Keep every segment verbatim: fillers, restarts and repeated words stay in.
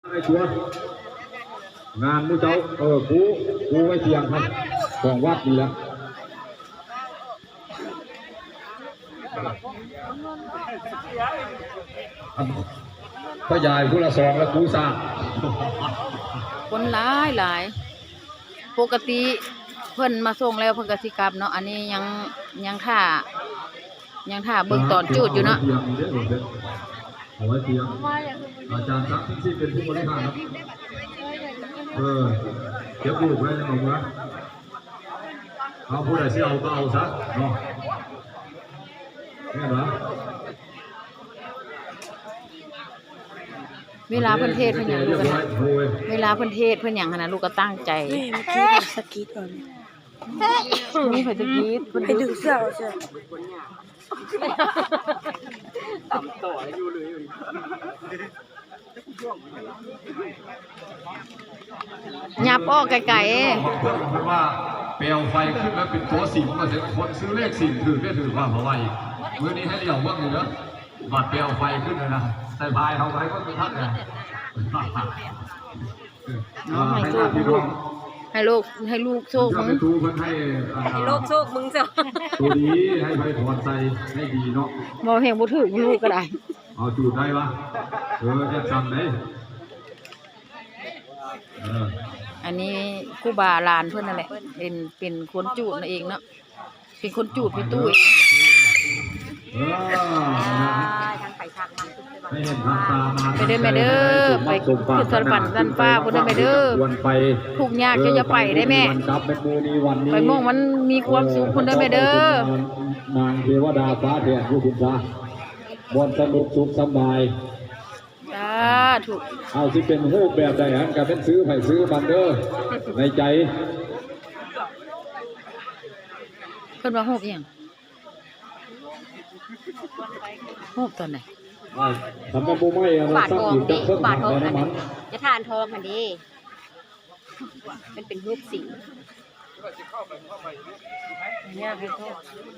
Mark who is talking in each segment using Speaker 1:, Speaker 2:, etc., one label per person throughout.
Speaker 1: ไอ้ชัวงานมูเจ้าเออกูกูไว้เทียงครับของวัดนี่แหละพ่อยายผู้ละสองแล้วกูสร้าง
Speaker 2: คนหลายหลายปกติเพิ่นมาส่งแล้วเพิ่นก็สิกลับเนาะอันนี้ยังยังท่ายังท่าเบิ่งตอนจูดอยู่เนาะ
Speaker 1: เอาไว้เทียงอาจารย์ซักที่เป็นผู้บริหารครับเออเก็บลูกไว้ในหนุ่มนะเอาผู้ใดที่เอาก็เอาซะเนาะเนี่ยนะ
Speaker 2: เวลาเพิ่นเทศเพิ่นหยังลูกกันนะเวลาเพิ่นเทศเพิ่นหยังหั่นน่ะลูกก็ตั้งใจ
Speaker 3: เมื่อกี้สกีก่อน
Speaker 2: นี่เพิ่นจะกรีดเพิ่น
Speaker 3: ไปดึงเสื้อใช่
Speaker 4: ต่ำต่ออยู่เลย
Speaker 2: หยับออกไกล
Speaker 1: ๆเพราะว่าเปลวไฟขึ้นแล้วเป็นตัวสิงมาเสร็จคนซื้อเลขสิงถือได้ถือความเอาไว้มื้อนี้ให้เดี่ยวว่างเหนือบาดเปลวไฟขึ้นเลยนะใส่พายเอาไว้ก็คือท่านนะให้ลูก
Speaker 2: ให้ลูกให้ลูกโชคมึง
Speaker 3: ให้ลูกโชคมึงจ้ะ
Speaker 1: ตัวดีให้ไปถอนใจให้ดีเนาะ
Speaker 2: มองเห็นบ่ถึงลูกก็ได้
Speaker 1: เอาจูดได้ปะเออแอบจำได้
Speaker 2: อันนี้ครูบาลานเพื่อนนั่นแหละเป็นเป็นคนจูดนั่นเองเนาะเป็นคนจูดพี่ตู้ไปเด้อแม่เด้อไปขึ้นสวรรค์ด้านฟ้าพุ่นเด้อแม่เด้อทุกยากจะจะไปได้แม่ไปมองมันมีความสุขพุ่นเด้อแม่เด้
Speaker 1: อนางเทวดาฟ้าแดดผู้คุณฟ้าบนสนุกสุขสบาย
Speaker 2: จ้าถูก
Speaker 1: เอาที่เป็นรูปแบบใดฮะการเป็นซื้อไปซื้อบันเดอร์ในใจ
Speaker 2: เพิ่นว่ารูปยังรูปตอนไหน
Speaker 1: ทำเป็นโมไม่อะ
Speaker 3: บาททองดิบาททองอันนี้จะทานทองอันนี้เป็นเป็นรูปสิงเนี่ยคือโทษ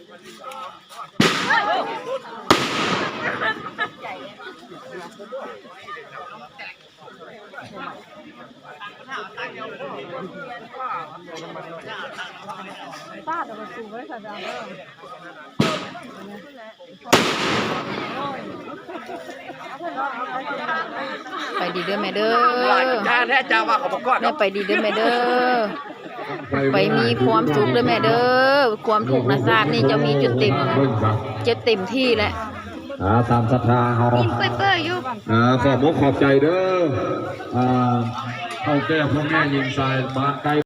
Speaker 3: ป้าแต่มาสูงไว้สัญญาเริ่ม
Speaker 2: ไปดีเด้อแม่เด้อ
Speaker 4: จ้าแท้จ้าว่าเขาบอกก่อน
Speaker 2: แม่ไปดีเด้อแม่เด้อไปมีความสุขเด้อแม่เด้อความถูกนะทราบนี่จะมีจุดเต็มจะเต็มที่แหละ
Speaker 1: ตามศรัทธาเขา
Speaker 2: กินเปื่อยๆอยู่
Speaker 1: ขอบมกขอบใจเด้อเอาแก้พ่อแม่ยิงสายบ้านไกล